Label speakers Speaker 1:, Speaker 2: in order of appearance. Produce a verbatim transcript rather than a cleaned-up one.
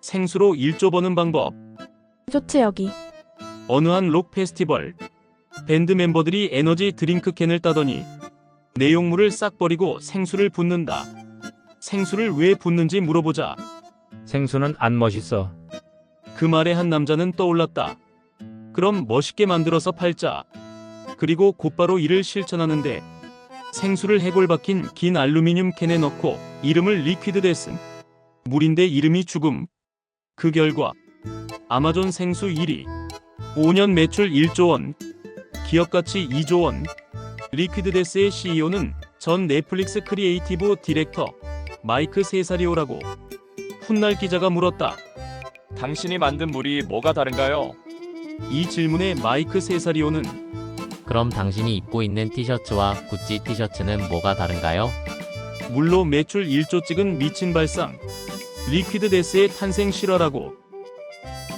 Speaker 1: 생수로 일조 버는 방법.
Speaker 2: 좋지 여기.
Speaker 1: 어느 한 록 페스티벌. 밴드 멤버들이 에너지 드링크 캔을 따더니 내용물을 싹 버리고 생수를 붓는다. 생수를 왜 붓는지 물어보자
Speaker 3: 생수는 안 멋있어.
Speaker 1: 그 말에 한 남자는 떠올랐다. 그럼 멋있게 만들어서 팔자. 그리고 곧바로 이를 실천하는데 생수를 해골 박힌 긴 알루미늄 캔에 넣고 이름을 리퀴드 데슨. 물인데 이름이 죽음. 그 결과 아마존 생수 일 위. 오 년 매출 일조 원. 기업가치 이조 원. 리퀴드 데스의 씨이오는 전 넷플릭스 크리에이티브 디렉터 마이크 세사리오라고. 훗날 기자가 물었다.
Speaker 4: 당신이 만든 물이 뭐가 다른가요?
Speaker 1: 이 질문에 마이크 세사리오는
Speaker 5: 그럼 당신이 입고 있는 티셔츠와 구찌 티셔츠는 뭐가 다른가요?
Speaker 1: 물로 매출 일조 찍은 미친 발상. 리퀴드 데스의 탄생 실화라고.